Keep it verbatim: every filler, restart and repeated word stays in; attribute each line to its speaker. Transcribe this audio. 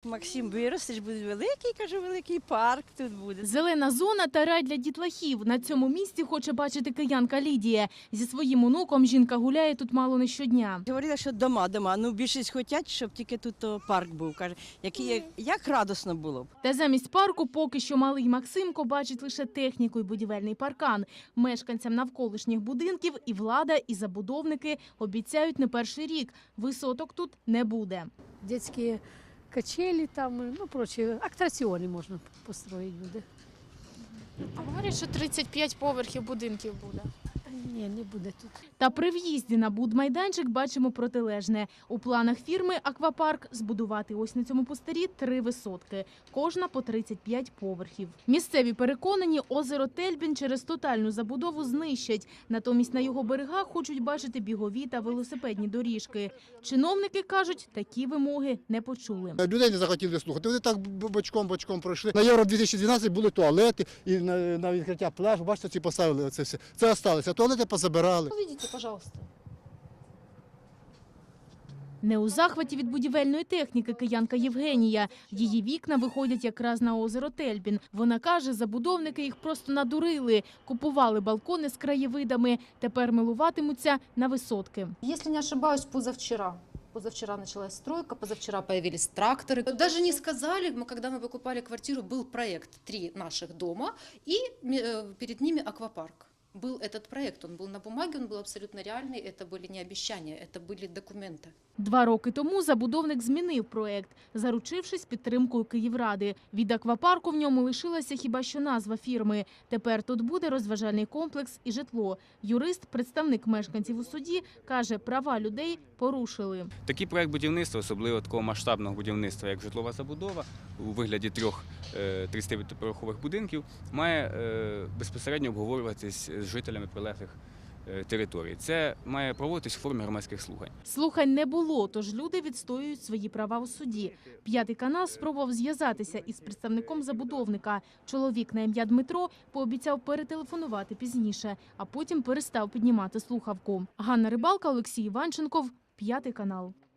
Speaker 1: Максим, виростеш, буде великий, кажу, великий парк тут буде.
Speaker 2: Зелена зона та рай для дітлахів. На цьому місці хоче бачити киянка Лідія. Зі своїм онуком жінка гуляє тут мало не щодня.
Speaker 1: Говорила, що дома, дома. Ну, більшість хочуть, щоб тільки тут о, парк був. Каже, який, як, як радосно було б.
Speaker 2: Та замість парку поки що малий Максимко бачить лише техніку і будівельний паркан. Мешканцям навколишніх будинків і влада, і забудовники обіцяють не перший рік. Висоток тут не буде.
Speaker 3: Детские качели там, ну, прочие, аттракционы можно построить буде.
Speaker 4: А говорять, що тридцять п'ять поверхів будинків буде.
Speaker 3: Ні, не буде тут.
Speaker 2: Та при в'їзді на будмайданчик бачимо протилежне. У планах фірми «Аквапарк» збудувати ось на цьому пустирі три висотки. Кожна по тридцять п'ять поверхів. Місцеві переконані, озеро Тельбін через тотальну забудову знищать. Натомість на його берегах хочуть бачити бігові та велосипедні доріжки. Чиновники кажуть, такі вимоги не почули.
Speaker 5: Людей не захотіли слухати. Вони так бочком-бочком пройшли. На Євро дві тисячі дванадцять були туалети, і на, на відкриття пляжу, бачите, ці поставили це все. Це залишилося. Туалети позабирали.
Speaker 4: Увидите, пожалуйста.
Speaker 2: Не у захваті від будівельної техніки киянка Євгенія. Її вікна виходять якраз на озеро Тельбін. Вона каже, забудовники їх просто надурили. Купували балкони з краєвидами. Тепер милуватимуться на висотки.
Speaker 6: Если не ошибаюсь, позавчера. Позавчера началась стройка, позавчера появились тракторы. Даже не сказали, мы, когда мы покупали квартиру, был проект три наших дома, и э, перед ними аквапарк. Был этот проект, он был на бумаге, он был абсолютно реальный, это были не обещания, это были документы.
Speaker 2: Два роки тому забудовник змінив проект, заручившись підтримкою Київради. Від аквапарку в ньому лишилася хіба що назва фірми. Тепер тут буде розважальний комплекс і житло. Юрист, представник мешканців у суді, каже, права людей порушили.
Speaker 7: Такий проект будівництва, особливо такого масштабного будівництва, як житлова забудова, у вигляді трьох тридцятиповерхових будинків, має е, безпосередньо обговорюватись з жителями прилеглих територій. Це має проводитись у формі громадських слухань.
Speaker 2: Слухань не було, тож люди відстоюють свої права у суді. П'ятий канал спробував зв'язатися із представником забудовника. Чоловік на ім'я Дмитро пообіцяв перетелефонувати пізніше, а потім перестав піднімати слухавку. Ганна Рибалка, Олексій Іванченков, П'ятий канал.